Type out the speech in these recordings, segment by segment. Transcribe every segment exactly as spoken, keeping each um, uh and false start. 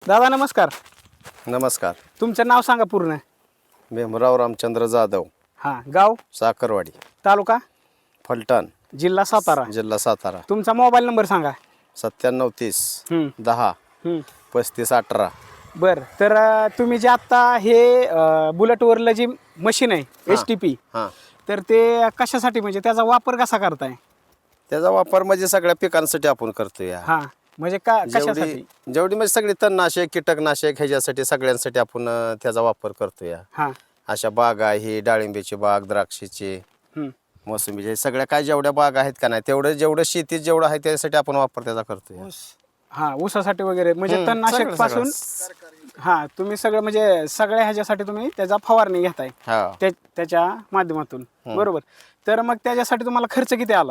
दादा नमस्कार. नमस्कार. तुमचं नाव सांगा पूर्ण. भीमराव रामचंद्र जाधव. हां. गाव साखरवाडी, तालुका फलटण, जिल्हा सातारा. जिल्हा सातारा. तुमचा मोबाईल नंबर सांगा. सत्त्याण्णव तीस हम्म, दहा हम्म. पस्तीस अठरा. बरं तर अं, तुम्ही जे आत्ता हे अं, बुलेटवरलं जी मशीन आहे एस टी पी, हां, तर ते कशासाठी म्हणजे त्याचा वापर कसा करताय? त्याचा वापर म्हणजे सगळ्या पिकांसाठी आपण करतो या. हां म्हणजे का जेवढी कशासाठी? जेवढी म्हणजे सगळी तणनाशक कीटकनाशक ह्याच्यासाठी सगळ्यांसाठी आपण अं, त्याचा वापर करतो या. हां. अशा बागा ही डाळिंबीची बाग, द्राक्षीची, हम्म. मोसंबीची, सगळ्या काय जेवढ्या बाग आहेत का नाही तेवढं जेवढं शेतीत जेवढं आहे त्यासाठी आपण वापर त्याचा करतो. हां ऊसासाठी वगैरे म्हणजे हम्म, तणनाशक सगळं- पासून. हां तुम्ही सगळं म्हणजे सगळ्या ह्याच्यासाठी तुम्ही त्याचा फवारणी घेताय हा. त्या त्याच्या माध्यमातून. बरोबर. तर मग त्याच्यासाठी तुम्हाला खर्च किती आला?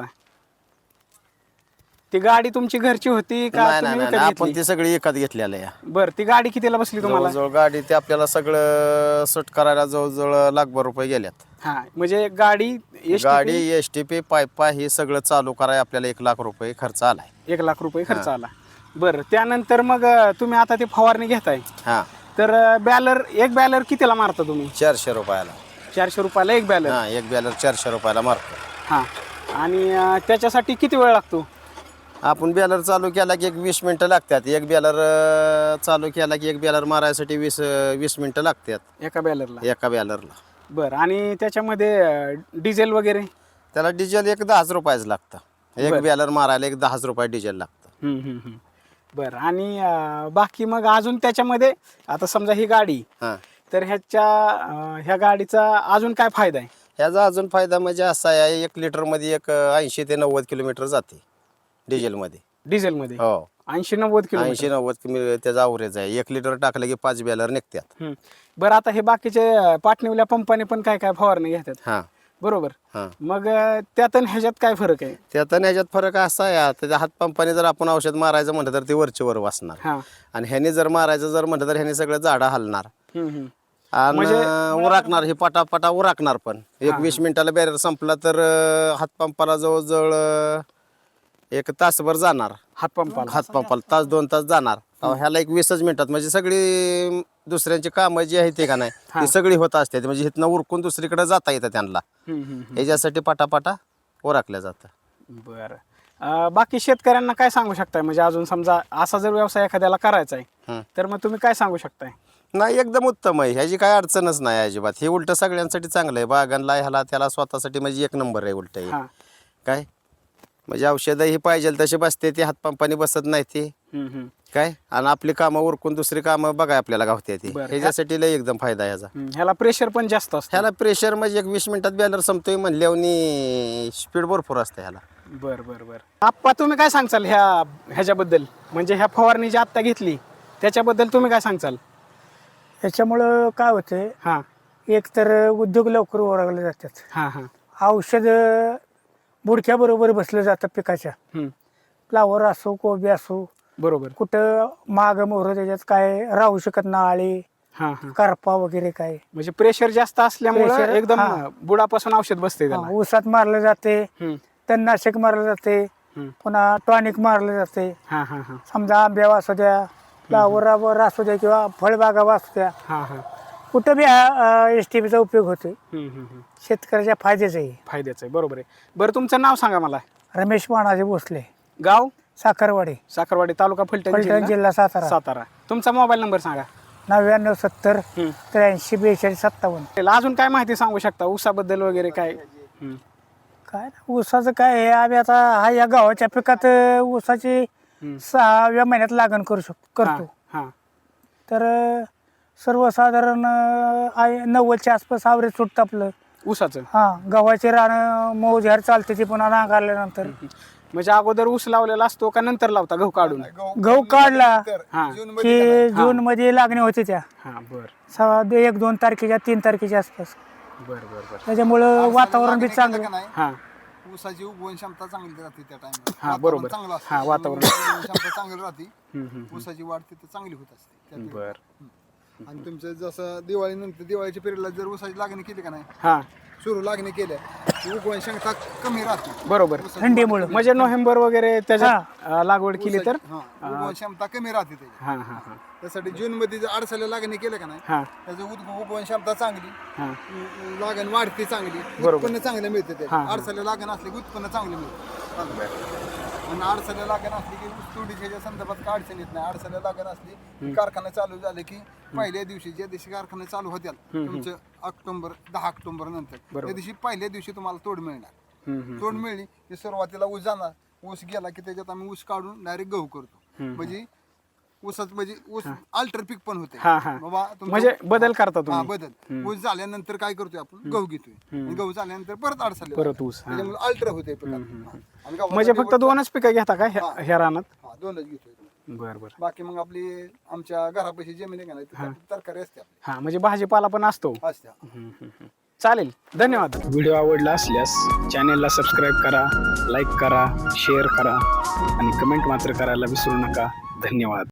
ती गाडी तुमची घरची होती का नाही नाही तुम्ही नाही विकत नाही, आपण घेतली? ती सगळी विकत घेतलेलं या. बरं ती गाडी कितीला बसली तुम्हाला? जवळजवळ गाडी ते आपल्याला सगळं सुट करायला जवळजवळ लाखभर रुपये गेल्यात. हां म्हणजे गाडी एस गाडी एस टी पी पायपा हे सगळं चालू करायला आपल्याला एक लाख रुपये खर्च आलाय. एक लाख रुपये खर्च आला. बरं त्यानंतर मग अं, तुम्ही आता ती फवारणी घेताय हा, तर बॅलर एक बॅलर कितीला मारता तुम्ही? चारशे रुपयाला. चारशे रुपयाला एक बॅलर. हा, एक बॅलर चारशे रुपयाला मारतो. हां. आणि अं, त्याच्यासाठी किती वेळ लागतो? आपण बॅलर चालू केला की एक वीस मिनिटं लागतात. एक बॅलर चालू केला की एक बॅलर मारायसाठी वीस वीस मिनिटं लागतात एका बॅलरला. एका बॅलरला. बरं आणि त्याच्यामध्ये अं, डिझेल वगैरे? त्याला डिझेल एक दहाच रुपयाच लागतं. एक बरं. बॅलर मारायला एक दहाच रुपये डिझेल लागतं. हम्म, हम्म, हम्म. बरं आणि अं, बाकी मग अजून त्याच्यामध्ये आता समजा ही गाडी, हां, तर ह्याच्या अं, ह्या गाडीचा अजून काय फायदा आहे? ह्याचा अजून फायदा म्हणजे असा आहे, एक लिटरमध्ये एक ऐंशी ते नव्वद किलोमीटर जाते डिझेलमध्ये. डिझेलमध्ये हो, ऐंशी नव्वद किलोमीटर. ऐंशी नव्वद किमी त्याचा अवरेज आहे. एक लिटर टाकलं की पाच बॅलर निघतात. हम्म. बरं आता हे बाकीचे अं, पाटणीवल्या पंपाने पण काय काय फवारणी घेतात. हां बरोबर. हां. मग अं, त्यात आणि ह्याच्यात काय फरक आहे? त्यात आणि ह्याच्यात फरक असा आहे, त्याच्या हातपंपाने जर आपण औषध मारायचं म्हटलं तर ते वरचे वर वाचणार. हां. आणि ह्याने जर मारायचं जर म्हटलं तर ह्याने सगळं झाडं हलणार हम्म, हम्म. आणि म्हणजे- उराकणार. हे पटापटा उराकणार पण. एक वीस मिनिटाला बॅरर संपला तर अं, हातपंपाला जवळजवळ अं, एक तासभर जाणार. हातपंपाला. हातपंपाला तास दोन तास जाणार. अहो, ह्याला एक वीसच मिनिटात म्हणजे सगळी दुसऱ्यांची कामं जी आहेत ते का नाही ती सगळी होत असते. म्हणजे इथनं उरकून दुसरीकडे जाता येतं त्यांना. हम्म, हम्म, हम्म. ह्याच्यासाठी पटापटा उराकल्या जातं. बरं. अं, बाकी शेतकऱ्यांना काय सांगू शकताय म्हणजे अजून समजा असा जर व्यवसाय एखाद्याला करायचा आहे हं. तर मग तुम्ही काय सांगू शकताय? नाही, एकदम उत्तम आहे. ह्याची काय अडचणच नाही अजिबात. हे उलट सगळ्यांसाठी चांगलं आहे. बागांना ह्याला त्याला स्वतःसाठी म्हणजे एक नंबर आहे उलट हे. हां. काय म्हणजे औषधंही पाहिजे तसे बसते ते हातपंपाने बसत नाही ते हम्म, हम्म. काय. आणि आपली कामं उरकून दुसरी कामं बघा आपल्याला गावते ती. बरं. ह्याच्यासाठी लय एकदम फायदा आहे ह्याचा. हम्म. ह्याला प्रेशर पण जास्त असतं. ह्याला प्रेशर म्हणजे एक वीस मिनिटात बॅलर संपतोय म्हणल्यावर स्पीड भरपूर असते ह्याला. बर बर बर. आप्पा तुम्ही काय सांगचाल ह्या ह्याच्याबद्दल म्हणजे ह्या फवारणी जी आत्ता घेतली त्याच्याबद्दल तुम्ही काय सांगचाल? याच्यामुळं काय होतंय, हां एक तर उद्योग लवकर ओरगले जातात. हां हां. औषध बुडक्याबरोबर बसलं जातं पिकाच्या. हम्म. फ्लावर असो कोबी असो, बरोबर. कुठं माग मोहर त्याच्यात काय राहू शकत ना, आळी हां हां. करपा वगैरे काय. म्हणजे प्रेशर जास्त असल्यामुळे Pressure, एकदम हां. बुडापासून औषध बसते त्याला. हा, ऊसात मारलं जाते, हम्म. तणनाशक मारलं जाते, हम्म. पुन्हा टॉनिक मारलं जाते. हां हां हां. समजा आंब्यावर असू द्या, फ्लावरावर असू द्या किंवा फळबागावर असू द्या, हां हां. कुठं बी हा एस टी पीचा उपयोग होतोय. हम्म, हम्म, हम्म. शेतकऱ्याच्या फायद्याचं आहे. फायद्याचं आहे. बरोबर आहे. बरं तुमचं नाव सांगा मला. रमेश मानाजी भोसले, गाव? साखरवाडी, साखरवाडी, तालुका फलटण, फलटण, जिल्हा जिल्हा सातारा. सातारा. तुमचा मोबाईल नंबर सांगा. नव्याण्णव सत्तर हम्म. त्र्याऐंशी बेचाळीस सत्तावन्न. त्याला अजून काय माहिती सांगू शकता ऊसाबद्दल वगैरे काय? हम्म. काय ना, ऊसाचं काय आहे, आम्ही आता हा या गावाच्या पिकात अं, ऊसाची हम्म. सहाव्या महिन्यात लागण करू शकतो करतो. हां. तर अं, सर्वसाधारण अं, आहे नव्वदच्या आसपास आवरेज सुटतं आपलं. ऊसाचं हा, गव्हाचे रानं मऊ झार चालते ती पुन्हा नांगरल्यानंतर. म्हणजे अगोदर ऊस लावलेला असतो का नंतर लावता गहू काढून? गहू काढला हां की जून मध्ये लागणी होती त्या हां. बर सहा एक दोन तारखेच्या तीन तारखेच्या आसपास. बर बर बर. त्याच्यामुळं वातावरण बी चांगलं. हां ऊसाची उगवण क्षमता चांगली राहते त्या टाइमला. हां बरोबर. चांगलं हां वातावरण. क्षमता चांगली राहते. हम्म, हम्म, ऊसाची वाढ तिथं चांगली होत असते त्या हम्म. पिरियड. बर. आणि तुमचं जसं दिवाळीनंतर दिवाळीच्या पिरियडला जर ऊसाची लागणी केली का नाही हा सुरू लागणी केल्या की उगवण क्षमता कमी राहते बरोबर. थंडीमुळं म्हणजे नोव्हेंबर वगैरे त्याच्यात अं, लागवड केली तर हा उगवण क्षमता कमी राहते त्याची. हा हा हा त्यासाठी जून मध्ये जर अडसाला लागणी केलं का नाही हा त्याचं उद- उगवण क्षमता चांगली हा उ- लागण वाढते चांगली बरोबर. उत्पन्न चांगलं मिळते हा, त्याचं हा. अडसाला लागण असली की उत्पन्न चांगलं मिळतं आणि अडसाला लागण असली की ऊस तोडीच्या संदर्भात काय अडचण येत नाही. अडसाला लागण असली की कारखाना चालू झाले की पहिल्या दिवशी ज्या दिवशी कारखाना चालू होत्या तुमचं ऑक्टोबर दहा ऑक्टोबर नंतर त्या दिवशी पहिल्या दिवशी तुम्हाला तोड मिळणार. हम्म, हम्म. तोड मिळली की सुरुवातीला ऊस जाणार ऊस गेला की त्याच्यात आम्ही ऊस काढून डायरेक्ट गहू करतो म्हणजे ऊसात म्हणजे ऊस अल्टर पीक पण होते हा, हा. बाबा तुमचं- म्हणजे बदल करता हा तुम्ही बदल ऊस झाल्यानंतर काय करतोय आपण गहू घेतोय आणि गहू झाल्यानंतर परत अडसाले परत ऊस, हा. त्याच्यामुळे अल्टर होते पिकात. हा. आणि गव्हासाठी म्हणजे फक्त दोनच पिकं घेता का ह्या- ह्या रानात? हा दोनच घेतोय बर बर. बाकी मग आपली आमच्या घरापाशी जमीन आहे का नाही तिथं तरकारी असते आपली हा म्हणजे भाजीपाला पण असतो. असते चालेल, धन्यवाद. व्हिडिओ आवडला असल्यास चॅनेलला सबस्क्राईब करा, लाईक करा, शेअर करा आणि कमेंट मात्र करायला विसरू नका. धन्यवाद.